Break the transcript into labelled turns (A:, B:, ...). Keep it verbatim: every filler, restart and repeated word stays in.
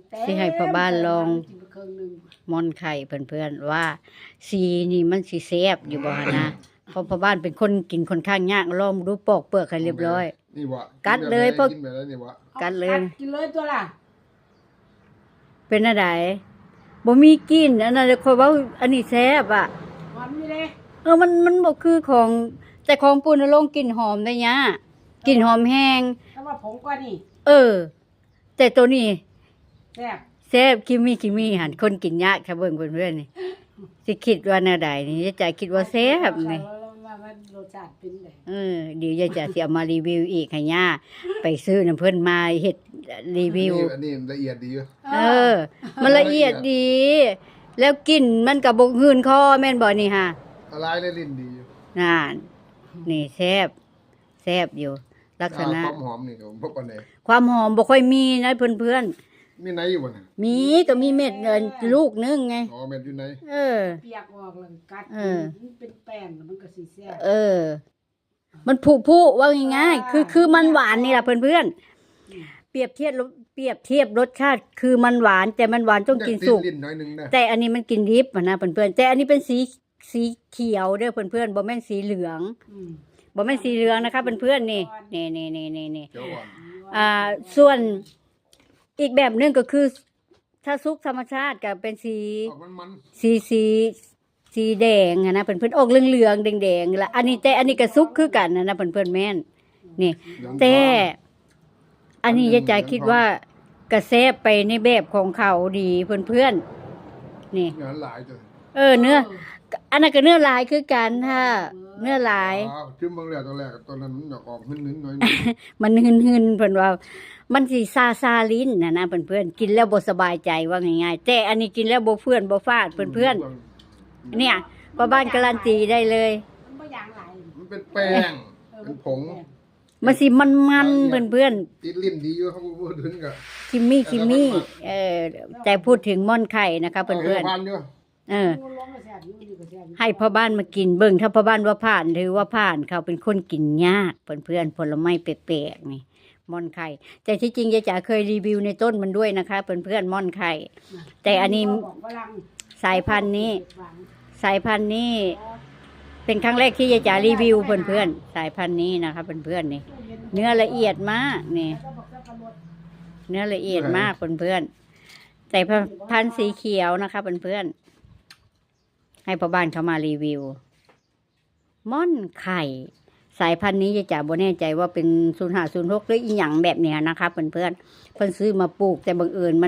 A: สิให้พ่อบ้านลองม่อนไข่เพื่อนๆว่าสีนี่มันสิแซ่บอยู่บ่นะเพราะพ่อบ้านเป็นคนกินค่อนข้างยากลองดูปอกเปลือกให้เรียบร้อย
B: นี่บ่
A: กัดเลยพวก
B: กินไปแล้วนี่บ่
A: กัดเลย
C: กินเลยตัวล่ะ
A: เป็นอะไรบ่มีกินอันนั้นค่อยเว้าอันนี้แซ่บอ่ะ
C: หอมอยู่เลย
A: เออมันมันบ่คือของแต่ของปูนลงกลิ่นหอมได้ยะกลิ่นหอมแห้ง
C: แต่ว่าผงกว่านี่
A: เออแต่ตัวนี้
C: แซ่บ
A: แซ่บคิมมี่คิมมี่หันคนกินยากค่ะเบิ่งเพื่อนๆนี่สิคิดว่าแนวใดนี่ยายจ๋าคิดว่าแซ่บนี่
C: รสชาติเป็นไง
A: เออเดี๋ยวยายจ๋าสิเอามารีวิวอีกให้ย่าไปซื้อน้ำเพิ่นมาเฮ็ดรีวิว
B: อันนี้ละเอียดดีอยู่
A: เออมันละเอียดดี แล้วกลิ่นมันก็บ่หืนคอแม่นบ่นี่ฮะ
B: ละลายในลิ้นดีอยู่
A: นั่นนี่แซ่บแซ่บอยู่ลักษณะ
B: ความหอมนี่ก็บ่ปานใด
A: ความหอมบ่ค่อยมีนะเพื่อน
B: ๆมีไหนอยู่บ่น่ะ
A: มีก็มีเม็ดเงินลูกนึงไง
B: อ๋อเม็ดอยู่ไหน
A: เออ
C: เปียกออกแล้วกัดมันเป็นแป้งมันก็สิแซ่บ
A: เออมันผุๆว่าง่ายๆคือคือมันหวานนี่ล่ะเพื่อนๆเปรียบเทียบเปรียบเทียบรสชาติคือมันหวานแต่มันหวานต้องกินสุกแต่อันนี้มันกินดิบนะเพื่อนๆแต่อันนี้เป็นสีสีเขียวเด้อเพื่อนๆบ่แม่นสีเหลืองบ่แม่นสีเหลืองนะคะเพื่อนๆนี่นี่ๆๆๆอ่าส่วนอีกแบบนึงก็คือถ้าซุกธรรมชาติก็เป็นสีสีสีสีแดงนะเพื่อนๆออกเหลืองๆแดงๆละอันนี้แต่อันนี้ก็ซุกคือกันนะเพื่อนๆแม่นนี่แต่อันนี้ยายจ๋าคิดว่ากระแซบไปในแบบของเขาดีเพื่อนๆนี่
B: เนื้อหลายจ้ะ
A: เออเนื้ออันนั้นก็เนื้อลายคือกันค่ะเนื้อลาย
B: อ๋อจิ้มบางแรกตอนแรกตอนนั้นมันอยากออกหืนๆหน่อย
A: มันหืนๆเพิ่นว่ามันสิซาซาลิ้นน่ะนะเพื่อนๆกินแล้วบ่สบายใจว่าง่ายๆแต่อันนี้กินแล้วบ่เพื่อนบ่ฟาดเพื่อนๆเนี่ยป้าบ้านการันตีได้เลย
C: มันบ่อย่างหลาย
B: มันเป็นแป้งเป็นผง
A: มันสิมันๆเพื่อน
B: ๆติดลิ้นดีอยู่ครับพูดถึงก็
A: คิมมี่คิมมี่เออแต่พูดถึงม่อนไข่นะคะเพื่อนๆเออให้พ่อบ้านมากินเบิ่งถ้าพ่อบ้านว่าผ่านหรือว่าผ่านเขาเป็นคนกินยากเพื่อนๆผลไม้แปลกๆนี่ม่อนไข่แต่ที่จริงยายจ๋าเคยรีวิวในต้นมันด้วยนะคะเพื่อนๆม่อนไข่แต่อันนี้สายพันธุ์นี้สายพันธุ์นี้เป็นครั้งแรกที่ยายจ๋ารีวิวเพื่อนๆสายพันธุ์นี้นะคะเพื่อนๆนี่เนื้อละเอียดมากนี่เนื้อละเอียดมากเพื่อนๆแต่พันธุ์สีเขียวนะคะเพื่อนๆให้พ่อบ้านเขามารีวิวม่อนไข่สายพันธุ์นี้ยายจ๋าบ่แน่ใจว่าเป็นศูนย์ห้าศูนย์หกหรืออีหยังแบบเนี้ยนะคะเพื่อนๆเพิ่นซื้อมาปลูกแต่บังเอิญมัน